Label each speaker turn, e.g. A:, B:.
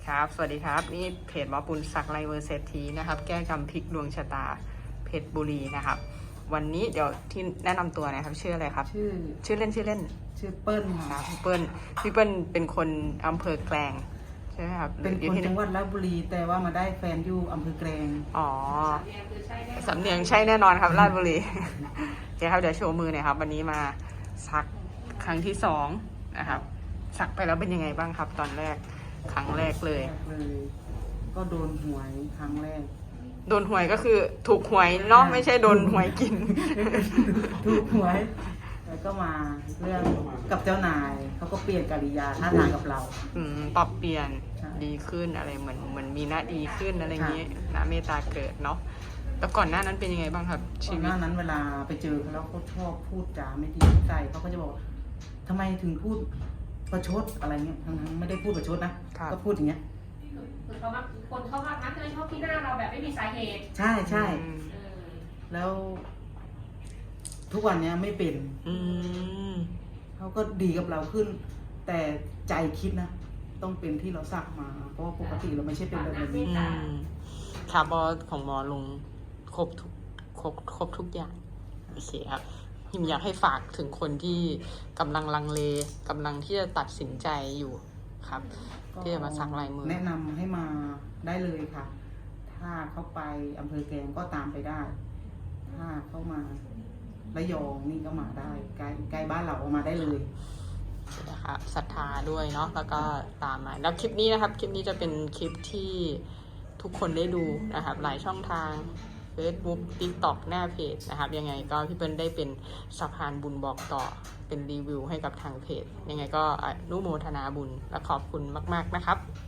A: ครับ สวัสดีครับ นี่เพจหมอปุณศักดิ์ไลเวอร์เศรษฐีนะครับ แก้กรรมพลิกดวงชะตาเพชรบุรีนะครับ วันนี้เดี๋ยวที่แนะนำตัวนะครับ ชื่ออะไรครับ ชื่อเล่น
B: ชื่อเปิ้ลค่ะ
A: พี่เปิ้ลเป็นคนอำเภอแกลงใช่ไหมครับ
B: เป็นคนจังหวัดราชบุรี แต่ว่ามาได้แฟนอยู่อำเภอแกลง
A: อ๋อสำเนียงใช่แน่นอนครับราชบุรีโอเคครับเดี๋ยวโชว์มือหน่อยครับ วันนี้มาสักครั้งที่2นะครับสักไปแล้วเป็นยังไงบ้างครับ ตอนแรกครั้งแรกเลย
B: ก็โดนหวยครั้งแรก
A: โดนหวยก็คือถูกหวยเนาะไม่ใช่โดนหวยกิน
B: ถูกหวยแล้วก็มาเรื่องกับเจ้านายเขาก็เปลี่ยนกิริยาท่าทางกับเรา
A: ปรับเปลี่ยนดีขึ้นอะไรเหมือนมีหน้าดีขึ้นอะไรอย่างนี้นะเมตตาเกิดเนาะแล้วก่อนหน้านั้นเป็นยังไงบ้างครับ
B: ชีวิตหน้านั้นเวลาไปเจอเขาแล้วเขาชอบพูดจาไม่ดีใส่เขาก็จะบอกทำไมถึงพูดประชดอะไรเงี้ยทั้งไม่ได้พูดประชดนะก็พูดอย่างเงี้ย
C: เขาว่าคนเขาว่าทักเลยชอบที่หน้าเราแบบไม่มีสาเหตุ
B: ใช่แล้วทุกวันนี้ไม่เป็นเขาก็ดีกับเราขึ้น แต่ใจคิดนะต้องเป็นที่เราสักมาเพราะว่าปกติเราไม่ใช่เป็นแบบนี้
A: คาร์บอนของหมอลงครบทุกอย่างโอเคครับหิมอยากให้ฝากถึงคนที่กำลังลังเลกำลังที่จะตัดสินใจอยู่ครับที่จะมาสักลายมือ
B: แนะนำให้มาได้เลยค่ะถ้าเขาไปอำเภอแกลงก็ตามไปได้ถ้าเขามาระยองนี่ก็มาได้ใกล้บ้านเราออกมาได้เลย
A: นะครับศรัทธาด้วยเนาะแล้วก็ตามมาแล้วคลิปนี้นะครับคลิปนี้จะเป็นคลิปที่ทุกคนได้ดูนะครับหลายช่องทาง Facebook TikTok หน้าเพจนะครับยังไงก็พี่เปิ้ลได้เป็นสะพานบุญบอกต่อเป็นรีวิวให้กับทางเพจยังไงก็อนุโมทนาบุญและขอบคุณมากๆนะครับ